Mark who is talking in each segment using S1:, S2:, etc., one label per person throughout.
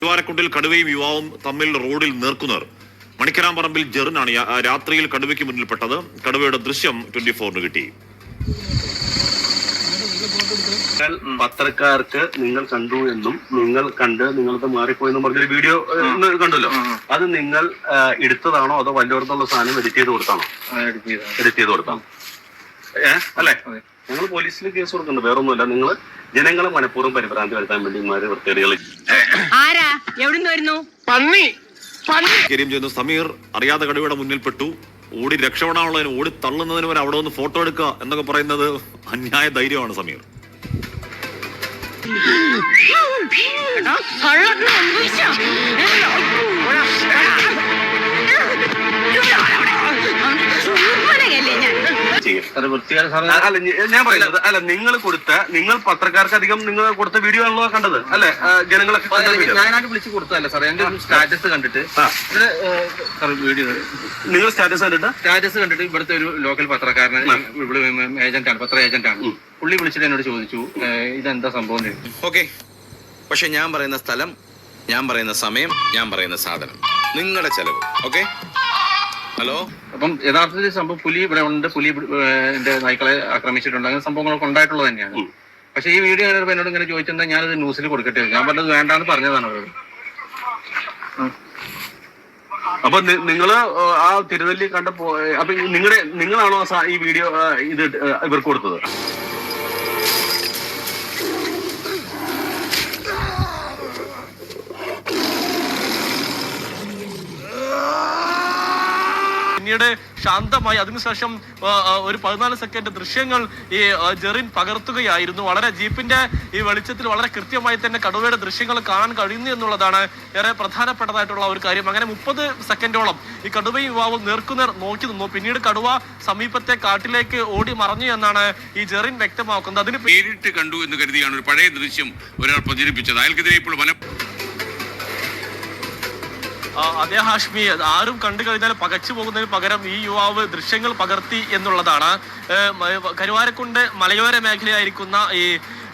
S1: കരുവാരക്കുണ്ടിൽ കടുവയും യുവാവും തമ്മിൽ റോഡിൽ നേർക്കുനേർ. മണിക്കരാമ്പറമ്പിൽ ജെറിനാണ് രാത്രിയിൽ കടുവയ്ക്ക് മുന്നിൽപ്പെട്ടത്. കടുവയുടെ ദൃശ്യം 24 കിട്ടി.
S2: പത്രക്കാർക്ക് നിങ്ങൾ കണ്ടു എന്നും നിങ്ങൾ കണ്ട് നിങ്ങൾക്ക് മാറിപ്പോയെന്നും പറഞ്ഞൊരു വീഡിയോ കണ്ടല്ലോ. അത് നിങ്ങൾ എടുത്തതാണോ അതോ വല്ലവർക്കുള്ള സാധനം എഡിറ്റ് ചെയ്ത് കൊടുത്താണോ? എഡിറ്റ് ചെയ്ത് കൊടുത്താണോ? അല്ലേ? ഞങ്ങൾ പോലീസിൽ കേസ് കൊടുക്കുന്നുണ്ട്. വേറൊന്നുമില്ല. നിങ്ങൾ ജനങ്ങളെ മനഃപൂർവ്വം പരിഭ്രാന്തി വരുത്താൻ വേണ്ടി വൃത്തികേടുകൾ.
S1: കാര്യം ചെയ്യുന്ന സമീർ അറിയാതെ കടുവയുടെ മുന്നിൽപ്പെട്ടു. ഓടി രക്ഷപ്പെടാനുള്ളതിന് ഓടി തള്ളുന്നതിന് വരെ അവിടെ ഒന്ന് ഫോട്ടോ എടുക്കുക എന്നൊക്കെ പറയുന്നത് അന്യായ ധൈര്യമാണ് സമീർ.
S2: ഞാൻ പറയുന്നത് അല്ല, നിങ്ങൾ പത്രക്കാർക്ക് അധികം നിങ്ങൾ കൊടുത്ത വീഡിയോ ആണല്ലോ കണ്ടത് അല്ലെ? ജനങ്ങളൊക്കെ
S3: ഞാനായിട്ട് വിളിച്ചു കൊടുത്തതല്ല സാർ, എന്റെ സ്റ്റാറ്റസ് കണ്ടിട്ട് വീഡിയോ
S2: നിങ്ങൾ സ്റ്റാറ്റസ്
S3: കണ്ടിട്ട് ഇവിടുത്തെ ഒരു ലോക്കൽ പത്രക്കാരന് ഏജന്റാണ്, പത്ര ഏജന്റാണ്. പുള്ളി വിളിച്ചിട്ട് എന്നോട് ചോദിച്ചു ഇതെന്താ സംഭവം.
S4: ഓക്കെ, പക്ഷെ ഞാൻ പറയുന്ന സ്ഥലം, ഞാൻ പറയുന്ന സമയം, ഞാൻ പറയുന്ന സാധനം, നിങ്ങളുടെ ചെലവ്. Okay, hello.
S3: അപ്പം യഥാർത്ഥത്തിൽ സംഭവം പുലി ഇവിടെ ഉണ്ട്, പുലി എന്റെ നായ്ക്കളെ ആക്രമിച്ചിട്ടുണ്ട്, അങ്ങനെ സംഭവങ്ങളൊക്കെ ഉണ്ടായിട്ടുള്ളത് തന്നെയാണ്. പക്ഷെ ഈ വീഡിയോ എന്നോട് ഇങ്ങനെ ചോദിച്ചിട്ടുണ്ടെങ്കിൽ ഞാനത് ന്യൂസിൽ കൊടുക്കട്ടെ, ഞാൻ പറഞ്ഞത് വേണ്ടാന്ന് പറഞ്ഞതാണ് അവരോട്.
S2: അപ്പൊ നിങ്ങള് ആ തിരുനെല്ലി കണ്ടപ്പോ അപ്പൊ നിങ്ങളാണോ ഈ വീഡിയോ ഇത് ഇവർക്ക് കൊടുത്തത്?
S5: പിന്നീട് ശാന്തമായി അതിനുശേഷം ഒരു 14 സെക്കൻഡ് ദൃശ്യങ്ങൾ ഈ ജെറിൻ പകർത്തുകയായിരുന്നു. വളരെ ജീപ്പിന്റെ ഈ വെളിച്ചത്തിൽ വളരെ കൃത്യമായി തന്നെ കടുവയുടെ ദൃശ്യങ്ങൾ കാണാൻ കഴിയുന്നു എന്നുള്ളതാണ് ഏറെ പ്രധാനപ്പെട്ടതായിട്ടുള്ള ഒരു കാര്യം. അങ്ങനെ 30 സെക്കൻഡോളം ഈ കടുവയും യുവാവും നേർക്കുനേർ നോക്കി നിന്നു. പിന്നീട് കടുവ സമീപത്തെ കാട്ടിലേക്ക് ഓടി മറഞ്ഞു എന്നാണ് ഈ ജെറിൻ വ്യക്തമാക്കുന്നത്. അതിന്
S6: നേരിട്ട് കണ്ടു എന്ന് കരുതിയാണ് ഒരു പഴയ ദൃശ്യം ഒരാൾ പ്രചരിപ്പിച്ചത്. അയാൾക്കെതിരെ ഇപ്പോൾ
S5: അതേ ഹാഷ്മി, ആരും കണ്ടു കഴിഞ്ഞാൽ പകച്ചു പോകുന്നതിന് പകരം ഈ യുവാവ് ദൃശ്യങ്ങൾ പകർത്തി എന്നുള്ളതാണ്. കരുവാരക്കുണ്ട് മലയോര മേഖലയായിരിക്കുന്ന ഈ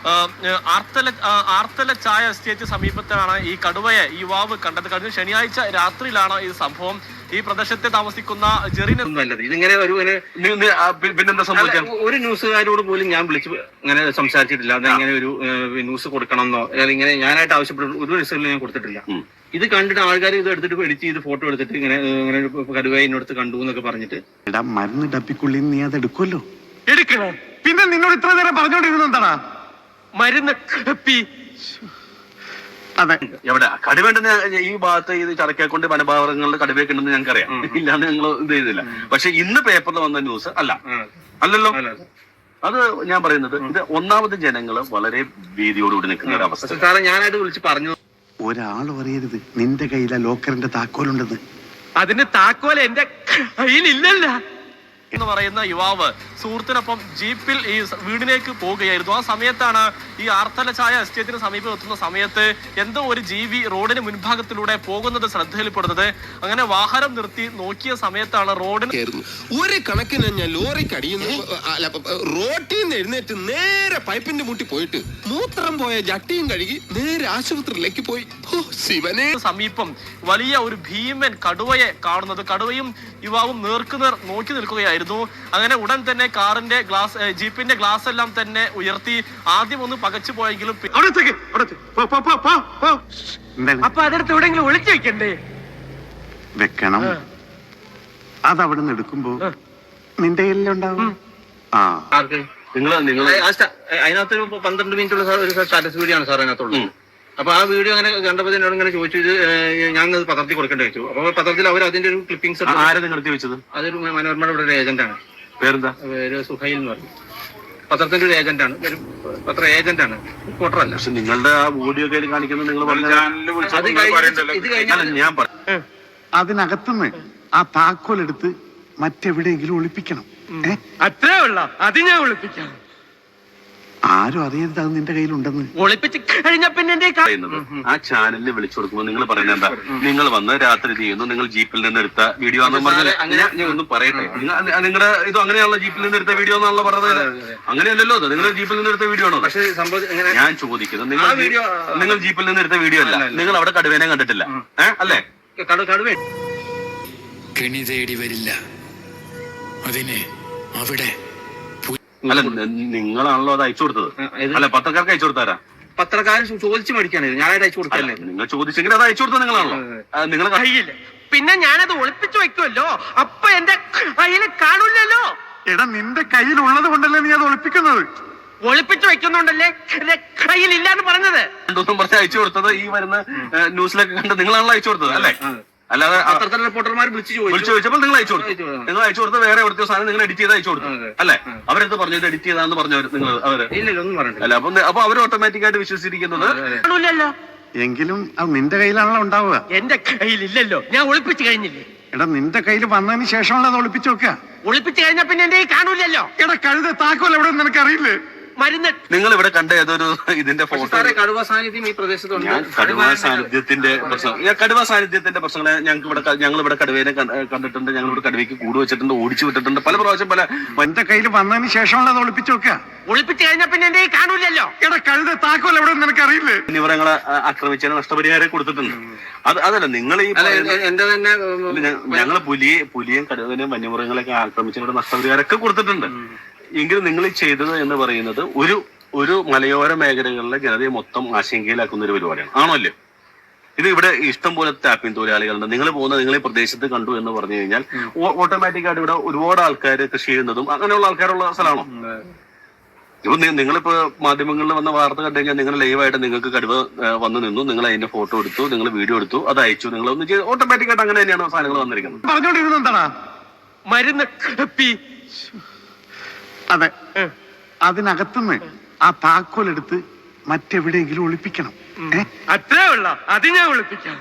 S5: ആർത്തല ചായ എസ്റ്റേറ്റ് സമീപത്താണ് ഈ കടുവയെ ഈ യുവാവ് കണ്ടത്. കഴിഞ്ഞ ശനിയാഴ്ച രാത്രിയിലാണ് ഈ സംഭവം. ഈ പ്രദേശത്തെ താമസിക്കുന്ന ജെറിൻ
S3: നല്ലത് ഇതിങ്ങനെ
S2: പിന്നെന്താ സംഭവിക്കാം?
S3: ഒരു ന്യൂസുകാരോട് പോലും ഞാൻ വിളിച്ച് ഇങ്ങനെ സംസാരിച്ചിട്ടില്ല. അതെങ്ങനെ ഒരു ന്യൂസ് കൊടുക്കണമെന്നോ ഇങ്ങനെ ഞാനായിട്ട് ആവശ്യപ്പെടുന്ന ഒരു ന്യൂസുകളിൽ ഞാൻ കൊടുത്തിട്ടില്ല. ഇത് കണ്ടിട്ട് ആൾക്കാർ ഇത് എടുത്തിട്ട് എഡിറ്റ് ചെയ്ത് ഫോട്ടോ എടുത്തിട്ട് ഇങ്ങനെ കടുവയെ ഇന്നടുത്ത് കണ്ടു എന്നൊക്കെ പറഞ്ഞിട്ട്
S7: മരുന്ന് ഡപ്പിക്കുള്ളിൽ നീ അത് എടുക്കുമല്ലോ.
S5: എടുക്കണം.
S7: പിന്നെ നിന്നോട് ഇത്ര നേരം പറഞ്ഞോണ്ടിരുന്നത് എന്താ?
S5: മരുന്ന്
S7: അതെ,
S2: എവിടെ കടുവേണ്ടെന്ന് ഈ ഭാഗത്ത് ഇത് ചടക്കേക്കൊണ്ട് വനഭാഗങ്ങളുടെ കടുവയൊക്കെ ഉണ്ടെന്ന് ഞങ്ങൾക്കറിയാം. ഇല്ലാന്ന് ഞങ്ങൾ ഇത് ചെയ്തില്ല. പക്ഷെ ഇന്ന് പേപ്പറിൽ വന്ന ന്യൂസ് അല്ലല്ലോ. അത് ഞാൻ പറയുന്നത് ഇത് ഒന്നാമത് ജനങ്ങള് വളരെ ഭീതിയോടുകൂടി നിൽക്കുന്ന ഒരു അവസ്ഥ.
S3: സാറേ, ഞാനായിട്ട് വിളിച്ച് പറഞ്ഞു
S7: ഒരാൾ പറയരുത് നിന്റെ കയ്യിലെ ലോക്കറിന്റെ താക്കോലുണ്ടെന്ന്.
S5: അതിന് താക്കോൽ എന്റെ കയ്യിലില്ലല്ല എന്ന് പറയുന്ന യുവാവ് സുഹൃത്തിനൊപ്പം ജീപ്പിൽ ഈ വീടിലേക്ക് പോവുകയായിരുന്നു. ആ സമയത്താണ് ഈ ആർത്തല ചായ എസ്റ്റേറ്റിന് സമീപം എത്തുന്ന സമയത്ത് എന്തോ ഒരു ജീവി റോഡിന് മുൻഭാഗത്തിലൂടെ പോകുന്നത് ശ്രദ്ധയിൽപ്പെടുന്നത്. അങ്ങനെ വാഹനം നിർത്തി നോക്കിയ സമയത്താണ് റോഡിന്
S8: ഒരു കണക്കിന് ഞാൻ ലോറിക്ക് അടിയുന്നു. റോട്ടിൽ നിന്ന് എഴുന്നേറ്റ് നേരെ പൈപ്പിന്റെ മുട്ടി പോയിട്ട് മൂത്രം പോയ ജട്ടിയും കഴുകി നേരെ ആശുപത്രിയിലേക്ക് പോയി. ശിവനെ
S5: സമീപം വലിയ ഒരു ഭീമൻ കടുവയെ കാണുന്നത്. കടുവയും യുവാവും നേർക്കുനേർ നോക്കി നിൽക്കുകയായിരുന്നു. അങ്ങനെ ഉടൻ തന്നെ കാറിന്റെ ജീപ്പിന്റെ ഗ്ലാസ് എല്ലാം തന്നെ ഉയർത്തി ആദ്യം ഒന്ന് പകച്ചു പോയെങ്കിലും അപ്പൊ അതെടുത്ത് എവിടെയെങ്കിലും ഒളിച്ചു വെക്കണ്ടേ?
S7: വെക്കണം. അതവിടെ നിന്ന് എടുക്കുമ്പോ നിന്റെ കയ്യിലുണ്ടാവും.
S3: അതിനകത്ത് 12 മിനിറ്റുള്ള ഒരു സ്റ്റാറ്റസ് വീഡിയോ ആണ് സാർ അതിനകത്തുള്ളത്. അപ്പൊ ആ വീഡിയോ അങ്ങനെ കണ്ടപ്പോൾ എന്നോട് ഇങ്ങനെ ചോദിച്ചു ഞാൻ പത്രത്തിൽ കൊടുക്കേണ്ടി വെച്ചു. അപ്പൊ പത്രത്തിൽ അവർ അതിന്റെ ഒരു ക്ലിപ്പിംഗ്സ്
S2: നിർത്തി വെച്ചത്
S3: അതൊരു മനോരമയുടെ ഇവിടെ ഒരു ഏജന്റാണ്.
S2: പേരെന്താ?
S3: പേര് സുഹൈൽ എന്ന് പറയും. പത്രത്തിന്റെ ഒരു ഏജന്റാണ്, ഒരു പത്ര ഏജന്റാണ്, റിപ്പോർട്ടറല്ല.
S2: പക്ഷെ നിങ്ങളുടെ ആ വീഡിയോ കാണിക്കുന്നത് നിങ്ങൾ ഞാൻ പറഞ്ഞു
S7: അതിനകത്തുനിന്ന് ആ താക്കോലെടുത്ത് മറ്റെവിടെയെങ്കിലും ഒളിപ്പിക്കണം.
S5: അത്രേ ഉള്ള അത് ഞാൻ ഒളിപ്പിക്കാം.
S7: ആരും അറിയരുത് അത് നിന്റെ കയ്യിലുണ്ടെന്ന്.
S5: ഒളിപ്പിച്ച് കഴിഞ്ഞ പിന്നെ എന്റെ
S2: പറയുന്നത് ആ ചാനലിൽ വിളിച്ചു കൊടുക്കുമ്പോൾ നിങ്ങൾ പറയുന്നത് എന്താ? നിങ്ങൾ വന്ന് രാത്രി ചെയ്യുന്നു, നിങ്ങൾ ജീപ്പിൽ നിന്ന് എടുത്ത വീഡിയോ ആണെന്ന് പറഞ്ഞാൽ ഞാൻ ഒന്നും പറയട്ടെ. നിങ്ങളുടെ ഇത് അങ്ങനെയാണല്ലോ, ജീപ്പിൽ നിന്ന് എടുത്ത വീഡിയോ എന്നാണല്ലോ പറഞ്ഞത്. അങ്ങനെയല്ലല്ലോ, അത് നിങ്ങൾ ജീപ്പിൽ നിന്ന് എടുത്ത വീഡിയോ ആണോ?
S3: പക്ഷേ സംഭവം
S2: ഞാൻ ചോദിക്കുന്നത്, നിങ്ങൾ ജീപ്പിൽ നിന്ന് എടുത്ത വീഡിയോ അല്ല, നിങ്ങൾ അവിടെ കടുവേനെ കണ്ടിട്ടില്ല അല്ലേ?
S3: കടുവ
S9: കെണി തേടി വരില്ല, അതിന് അവിടെ
S2: അല്ല, നിങ്ങളാണല്ലോ അത് അയച്ചു കൊടുത്തത്. അല്ല, പത്രക്കാർക്ക് അയച്ചു കൊടുത്താരാ?
S3: പത്രക്കാരൻ ചോദിച്ചു മേടിക്കാണ്, ഞാനായിട്ട് അയച്ചു കൊടുക്കല്ലേ.
S2: നിങ്ങൾ ചോദിച്ചെങ്കിൽ അത് അയച്ചു കൊടുത്തത് നിങ്ങളാണല്ലോ. നിങ്ങൾ
S5: കയ്യില്ല, പിന്നെ ഞാനത് ഒളിപ്പിച്ചു വെക്കുമല്ലോ, അപ്പൊ എന്റെ കയ്യിൽ കാണൂലല്ലോ.
S7: എടാ നിന്റെ കയ്യിലുള്ളത് കൊണ്ടല്ലേ നീ അത് ഒളിപ്പിക്കുന്നത്?
S5: ഒളിപ്പിച്ചു വെക്കുന്നുണ്ടല്ലേ എന്റെ കയ്യിൽ ഇല്ലാന്ന് പറഞ്ഞത്.
S2: രണ്ടു പറഞ്ഞ് അയച്ചു കൊടുത്തത് ഈ വരുന്ന ന്യൂസിലൊക്കെ കണ്ട് നിങ്ങളാണല്ലോ അയച്ചു കൊടുത്തത് അല്ലേ? അല്ലാതെ
S3: പത്രത്തിലെ റിപ്പോർട്ടർമാർ വിളിച്ചു
S2: ചോദിച്ചപ്പോൾ നിങ്ങൾ അയച്ചു കൊടുത്തു. നിങ്ങൾ അയച്ചു കൊടുത്ത് വേറെ എവിടുത്തെ സാധനം നിങ്ങൾ എഡിറ്റ് ചെയ്ത് അയച്ചു കൊടുത്തു അല്ലെ? അവരെടുത്ത് പറഞ്ഞു ഇത് എഡിറ്റ് ചെയ്താന്ന് പറഞ്ഞവർ നിങ്ങൾ അവര്
S3: ഇല്ല ഒന്നും പറഞ്ഞില്ല.
S2: അല്ല, അപ്പൊ അവർ ഓട്ടോമാറ്റിക് ആയിട്ട് വിശ്വസിച്ചിരിക്കുന്നത്
S5: കാണൂലല്ലോ.
S7: എങ്കിലും അത് നിന്റെ കയ്യിലാണല്ലോ ഉണ്ടാവുക.
S5: എന്റെ കയ്യിൽ ഇല്ലല്ലോ, ഞാൻ ഒളിപ്പിച്ചു കഴിഞ്ഞില്ലേ.
S7: എടാ നിന്റെ കയ്യിൽ വന്നതിന് ശേഷമുള്ള അത് ഒളിപ്പിച്ചു വെക്കുക.
S5: ഒളിപ്പിച്ചു കഴിഞ്ഞ പിന്നെ എന്റെ കാണൂലല്ലോ.
S7: എടാ കഴുത താക്കോൽ എവിടെ നിനക്കറിയില്ലേ?
S5: മരുന്ന്
S2: നിങ്ങൾ ഇവിടെ കണ്ട ഏതൊരു ഇതിന്റെ ഫോട്ടോ.
S3: കടുവ സാന്നിധ്യം ഈ പ്രദേശത്തുണ്ട്.
S2: ഞാൻ കടുവ സാന്നിധ്യത്തിന്റെ പ്രശ്നങ്ങളെ ഞങ്ങൾ ഇവിടെ കടുവേനെ കണ്ടിട്ടുണ്ട്. ഞങ്ങൾ ഇവിടെ കടുവയ്ക്ക് കൂട് വെച്ചിട്ടുണ്ട്, ഓടിച്ചു വിട്ടിട്ടുണ്ട് പല പ്രാവശ്യം.
S7: എന്റെ കയ്യിൽ വന്നതിന് ശേഷമുള്ള അത് ഒളിപ്പിച്ചു വെക്കുക.
S5: ഒളിപ്പിച്ചു കഴിഞ്ഞ പിന്നെ എന്റെ കാണൂലല്ലോ.
S7: എടാ കഴുത താക്കോൽ എവിടെ നിനക്കറിയില്ലേ?
S2: ഇവരങ്ങളെ ആക്രമിച്ചതിന് നഷ്ടപരിഹാരം കൊടുത്തിട്ടുണ്ട്. അതല്ല നിങ്ങൾ ഈ
S3: എന്റെ തന്നെ
S2: ഞങ്ങള് പുലിയും കടുവനെയും വന്യമൃഗങ്ങളെയൊക്കെ ആക്രമിച്ചതിന് നഷ്ടപരിഹാരമൊക്കെ കൊടുത്തിട്ടുണ്ട്. എങ്കിലും നിങ്ങൾ ഈ ചെയ്തത് എന്ന് പറയുന്നത് ഒരു മലയോര മേഖലകളിലെ ജനതയെ മൊത്തം ആശങ്കയിലാക്കുന്ന ഒരു പരിപാടിയാണ്, ആണല്ലോ? ഇത് ഇവിടെ ഇഷ്ടം പോലെ ടാപ്പിംഗ് തൊഴിലാളികളുണ്ട്. നിങ്ങൾ ഈ പ്രദേശത്ത് കണ്ടു എന്ന് പറഞ്ഞു കഴിഞ്ഞാൽ ഓട്ടോമാറ്റിക്കായിട്ട് ഇവിടെ ഒരുപാട് ആൾക്കാർ കൃഷി ചെയ്യുന്നതും അങ്ങനെയുള്ള ആൾക്കാരുള്ള സ്ഥലമാണോ? ഇപ്പൊ നിങ്ങളിപ്പോ മാധ്യമങ്ങളിൽ വന്ന വാർത്ത കണ്ടു കഴിഞ്ഞാൽ നിങ്ങൾ ലൈവായിട്ട് നിങ്ങൾക്ക് കടുവ വന്നു നിന്നു, നിങ്ങൾ അതിന്റെ ഫോട്ടോ എടുത്തു, നിങ്ങൾ വീഡിയോ എടുത്തു, അത് അയച്ചു, നിങ്ങൾ ഒന്ന് ചെയ്ത് ഓട്ടോമാറ്റിക്കായിട്ട് അങ്ങനെ തന്നെയാണ് സാധനങ്ങൾ വന്നിരിക്കുന്നത്.
S7: പറഞ്ഞോണ്ടിരുന്ന എന്താടാ?
S5: മരുന്ന്
S7: അതെ, അതിനകത്തുനിന്ന് ആ താക്കോൽ എടുത്ത് മറ്റെവിടെയെങ്കിലും ഒളിപ്പിക്കണം.
S5: അത്രേ ഉള്ള അത് ഞാൻ ഒളിപ്പിക്കാം.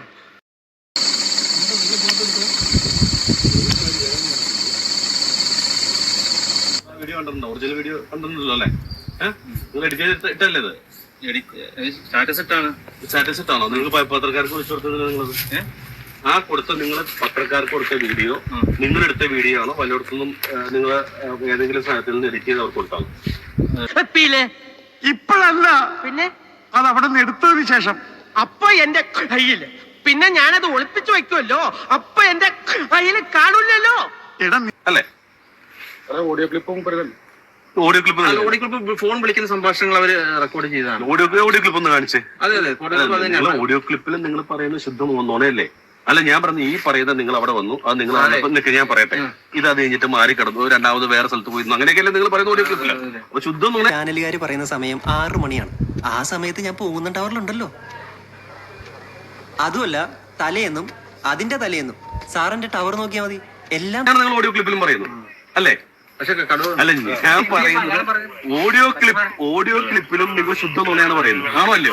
S2: വീഡിയോ കണ്ടിട്ടുണ്ടോ? ഒറിജിനൽ വീഡിയോ കണ്ടിട്ടുണ്ടല്ലോ അല്ലേ? നിങ്ങൾ എഡിറ്റ് ചെയ്തിട്ടല്ലേ ഇത്? സ്റ്റാറ്റസ് ഇട്ടാണോ നിങ്ങൾ പത്രക്കാർക്ക് വിളിച്ചു കൊടുത്തത്? നിങ്ങളത് നിങ്ങൾ പത്രക്കാർക്ക് കൊടുത്ത വീഡിയോ നിങ്ങളെടുത്ത വീഡിയോ ആണോ? പലയിടത്തുനിന്നും നിങ്ങൾ ഏതെങ്കിലും സ്ഥലത്തിൽ നിന്ന് എഡിറ്റ് ചെയ്ത് അവർക്ക് കൊടുത്താണോ?
S7: ഇപ്പോഴല്ല,
S5: പിന്നെ
S7: അത് അവിടെ നിന്ന് എടുത്തതിന് ശേഷം.
S5: അപ്പൊ എന്റെ കയ്യില്, പിന്നെ ഞാനത് ഒളിപ്പിച്ചു വെക്കുമല്ലോ, അപ്പൊ എന്റെ കയ്യിൽ കാണൂലല്ലോ.
S7: എടാ
S2: അല്ലേ? ഓഡിയോ ക്ലിപ്പ്
S3: ഫോൺ വിളിക്കുന്ന സംഭാഷണങ്ങൾ അവര് റെക്കോർഡ് ചെയ്തതാണ്.
S2: ഓഡിയോ ക്ലിപ്പ് ഒന്ന് കാണിച്ചേ.
S3: അതെ
S2: ഓഡിയോ ക്ലിപ്പിൽ നിങ്ങൾ പറയുന്നത് ശുദ്ധം നുണയല്ലേ? അല്ല, ഞാൻ പറഞ്ഞു ഈ പറയുന്നത് നിങ്ങൾ അവിടെ വന്നു, അത് നിങ്ങൾ ഞാൻ പറയട്ടെ, ഇത് അത് കഴിഞ്ഞിട്ട് മാറി കിടന്നു, രണ്ടാമത് വേറെ സ്ഥലത്ത് പോയിരുന്നു, അങ്ങനെയൊക്കെയല്ലേ നിങ്ങൾ പറയുന്ന ഓഡിയോ ക്ലിപ്പില്ല? അപ്പൊ ശുദ്ധം നുണ.
S10: ചാനലുകാർ പറയുന്ന സമയം 6 മണിയാണ്. ആ സമയത്ത് ഞാൻ പോകുന്ന ടവറിലുണ്ടല്ലോ. അതുമല്ല, തലേന്നും അതിന്റെ തലേന്നും സാറിന്റെ ടവർ നോക്കിയാൽ മതി, എല്ലാം
S2: നിങ്ങൾ ഓഡിയോ ക്ലിപ്പിലും പറയുന്നു അല്ലേ?
S3: പക്ഷെ
S2: അല്ല, ഞാൻ പറയുന്നത് ഓഡിയോ ക്ലിപ്പിലും നിങ്ങൾ ശുദ്ധ നുണയാണ് പറയുന്നത്, ആണോ അല്ലയോ?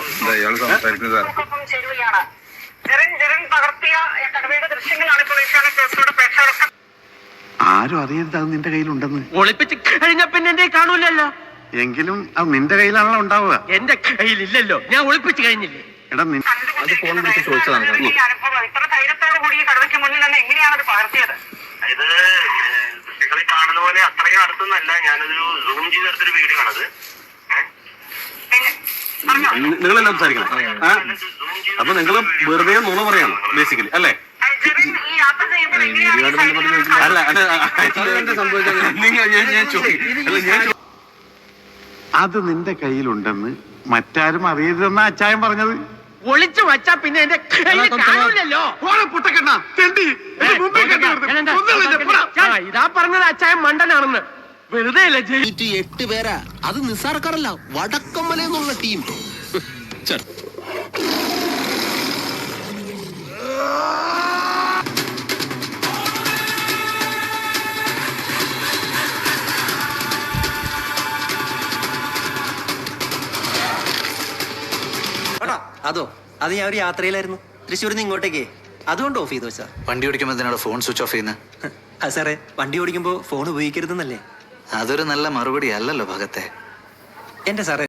S7: ആരും അറിയരുത് അത് നിന്റെ കയ്യിലുണ്ടെന്ന്.
S5: ഒളിപ്പിച്ച് കഴിഞ്ഞ പിന്നെ എന്റെ കാണൂലല്ലോ.
S7: എങ്കിലും അത് നിന്റെ കയ്യിലാണല്ലോ ഉണ്ടാവുക.
S5: എന്റെ കയ്യിൽ ഇല്ലല്ലോ, ഞാൻ ഒളിപ്പിച്ചു കഴിഞ്ഞില്ലേ.
S7: എടാ
S3: അത് ഫോൺ വിളിച്ച് ചോദിച്ചതാണ്.
S2: കാണുന്ന പോലെ അത്രയും അടുത്തൊന്നല്ല, ഞാനതൊരു സൂം ചെയ്തെടുത്തൊരു വീഡിയോ ആണത്. നിങ്ങളെല്ലാം സംസാരിക്കണം. അപ്പൊ നിങ്ങൾ വെറുതെ നുണ പറയാണ് ബേസിക്കലി അല്ലേ?
S7: അത് നിന്റെ കയ്യിലുണ്ടെന്ന് മറ്റാരും അറിയരുതെന്ന അച്ചായൻ പറഞ്ഞത്.
S5: ഒളിച്ചു വച്ചാ പിന്നെ എന്റെ കയ്യിൽ കാണൂലല്ലോ. ഇതാ പറഞ്ഞത് അച്ചായൻ മണ്ടനാണെന്ന്. വെറുതെ അല്ല
S8: 8 പേരാ, അത് നിസ്സാർക്കാരല്ല, വടക്കമ്മല എന്നുള്ള ടീം.
S10: അതോ, അത് ഞാൻ ഒരു യാത്രയിലായിരുന്നു തൃശ്ശൂരിൽ നിന്ന് ഇങ്ങോട്ടേക്ക്, അതുകൊണ്ട് ഓഫ് ചെയ്തു വെച്ചാ.
S9: വണ്ടി ഓടിക്കുമ്പോൾ എന്തിനാണ് ഫോൺ സ്വിച്ച് ഓഫ് ചെയ്യുന്നത്?
S10: അത് സാറേ, വണ്ടി ഓടിക്കുമ്പോൾ ഫോൺ ഉപയോഗിക്കരുതെന്നല്ലേ?
S9: അതൊരു നല്ല മറുപടി അല്ലല്ലോ ഭഗത്തെ.
S10: എന്റെ സാറേ